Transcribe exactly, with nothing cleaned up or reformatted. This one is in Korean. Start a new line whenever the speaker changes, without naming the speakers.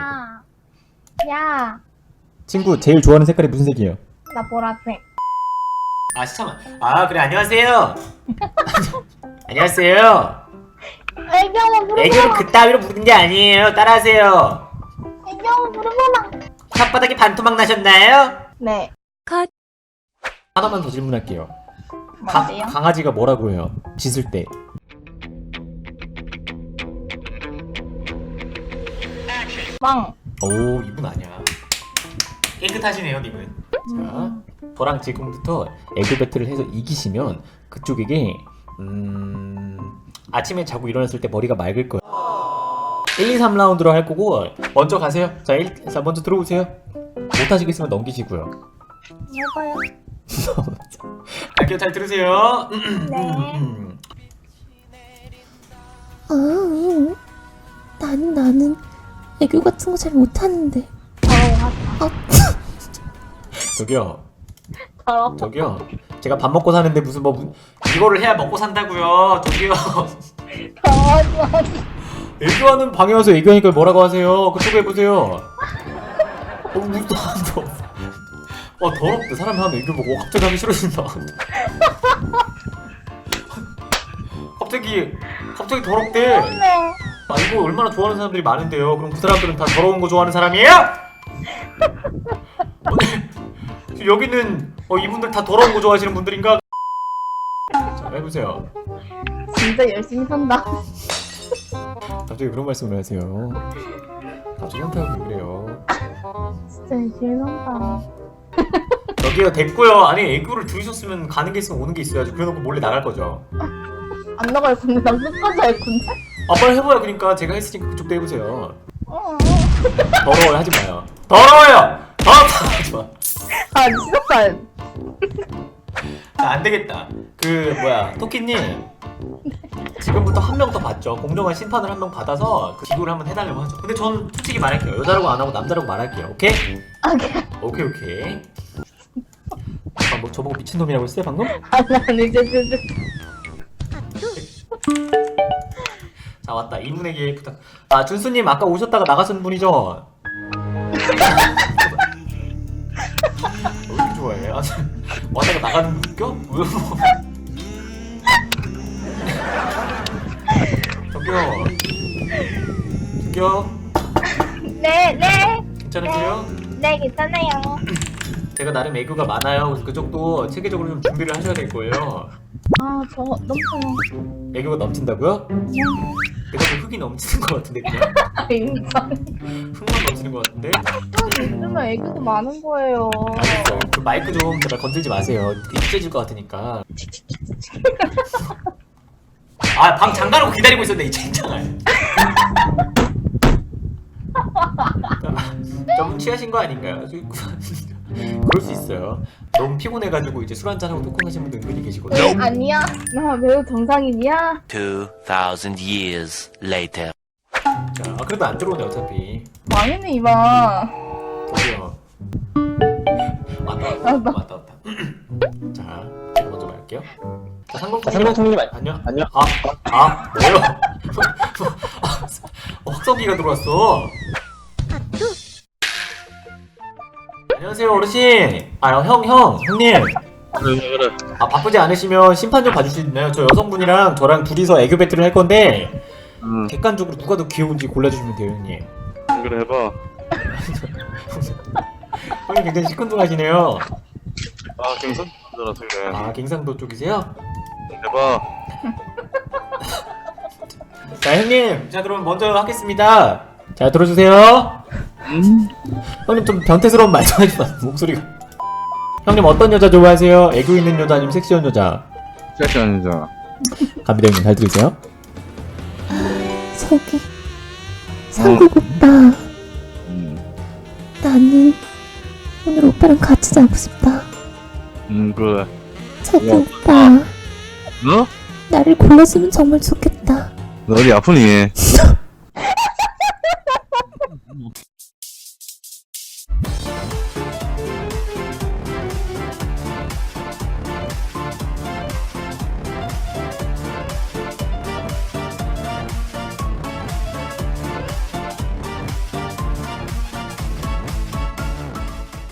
야, 야,
친구 제일 좋아하는 색깔이 무슨 색이에요?
나 보라색.
아 잠깐만. 아 그래 안녕하세요. 안녕하세요.
애기 한번 물어보라.
애교는 그따위로 부르는 게 아니에요. 따라하세요.
애기 한번 물어보라.
혓바닥에 반토막 나셨나요?
네.
하나만 더 질문할게요. 가,
뭔데요?
강아지가 뭐라고 해요? 짖을 때.
왕.
오, 이분 아니야.
깨끗하시네요 님은.
자, 저랑 지금부터 애교 배틀을 해서 이기시면 그쪽에게 음... 아침에 자고 일어났을 때 머리가 맑을 거예요. 일, 이, 삼 라운드로 할 거고 먼저 가세요. 자, 일, 자 먼저 들어오세요. 못하시겠으면 넘기시고요.
먹어요.
할게요. 잘 들으세요.
네.
아, 나는 나는 애교 같은 거 잘 못하는데.
더러워.
저기요,
더러워.
저기요. 제가 밥 먹고 사는데 무슨 뭐 무-
이거를 해야 먹고 산다고요. 저기요.
더러워.
애교하는 방에 와서 애교하니까 뭐라고 하세요? 그쪽에 보세요. 어, 무슨 어 더럽대. 사람이 하면 애교 보고 갑자기 하기 싫어진다. 갑자기 갑자기 더럽대.
네.
아 이거 얼마나 좋아하는 사람들이 많은데요. 그럼 그 사람들은 다 더러운 거 좋아하는 사람이에요? 오늘 지금 여기는 어, 이분들 다 더러운 거 좋아하시는 분들인가? 자 해보세요.
진짜 열심히 산다.
갑자기 그런 말씀을 하세요. 갑자기 현타하고 그래요.
진짜 열심히 산다.
저기요 됐고요. 아니 애교를 들으셨으면 가는 게 있으면 오는 게 있어야지. 그래놓고 몰래 나갈 거죠.
안 나갈 건데 나 끝까지 할 건데.
아 빨리 해봐요. 그러니까 제가 했으니까 그쪽도 해보세요.
어.
더러워요. 하지 마요.
더러워요. 더럽다. 하지 마.
아 진짜.
자, 안 되겠다. 그 뭐야 토끼님 지금부터 한 명 더 받죠. 공정한 심판을 한 명 받아서 그 기구를 한번 해달라고 하죠. 근데 전 솔직히 말할게요. 여자라고 안 하고 남자라고 말할게요. 오케이? 오케이 오케이. 아, 뭐 저보고 미친놈이라고 했어요 방금?
아니 이제 이제.
자 왔다. 이분에게 부탁. 아 준수님 아까 오셨다가 나가신 분이죠? 왜 이렇게 좋아해? 아, 왔다가 나가는 분 웃겨? 왜 뭐? 저기요. 저기요.
네 네.
괜찮으세요?
네 괜찮아요.
제가 나름 애교가 많아요. 그래서 그쪽도 체계적으로 좀 준비를 하셔야 될 거예요.
아저 넘쳐요.
애교가 넘친다고요? 내가 좀 흙이 넘치는 것 같은데 그냥
아 인정.
흙만 넘치는 것 같은데?
요즘은 애기도 많은 거예요.
알겠어요. 그 마이크 좀 제발 건들지 마세요. 잊혀질 것 같으니까. 아 방 잠가놓고 기다리고 있었네 이 젠장을. 좀 취하신 거 아닌가요? 그럴 수 있어요. 너무 피곤해가지고 이제 술 한잔하고 토크하시는 분들 은근히 계시거든요.
아니야. 나 매우 정상인이야.
Two thousand years later.
자, 아, 그래도 안 들어오네 어차피.
망했네 이마.
저기요. 왔다 왔다 왔다 왔다 왔다. 자, 제가 먼저 말할게요. 자, 상공통님 안녕.
안녕.
아, 아, 뭐요? 어, 확성기가 들어왔어. 안녕하세요 어르신. 아, 형, 형, 형님.
그래 그래
아, 바쁘지 않으시면 심판 좀 봐주실 수 있나요? 저 여성분이랑 저랑 둘이서 애교 배틀을 할 건데
응
객관적으로 누가 더 귀여운지 골라주시면 돼요, 형님.
그래 해봐
형님 굉장히 시큰둥하시네요.
아 경선 들어서 그래
아, 갱상도 쪽이세요?
해봐
자, 형님. 자, 그럼 먼저 하겠습니다. 자, 들어주세요.
음?
형님 좀 변태스러운 말좀 하지 마세요. 목소리가. 형님 어떤 여자 좋아하세요? 애교 있는 여자 아니면 섹시한 여자?
섹시 아니잖아
갑니다 형님. 잘 들으세요.
저기 상국 오빠,
음,
나는 오늘 오빠랑 같이 자고 싶다.
음 그래
저기
야.
오빠,
너?
나를 골라주면 정말 좋겠다.
너 어디 아프니?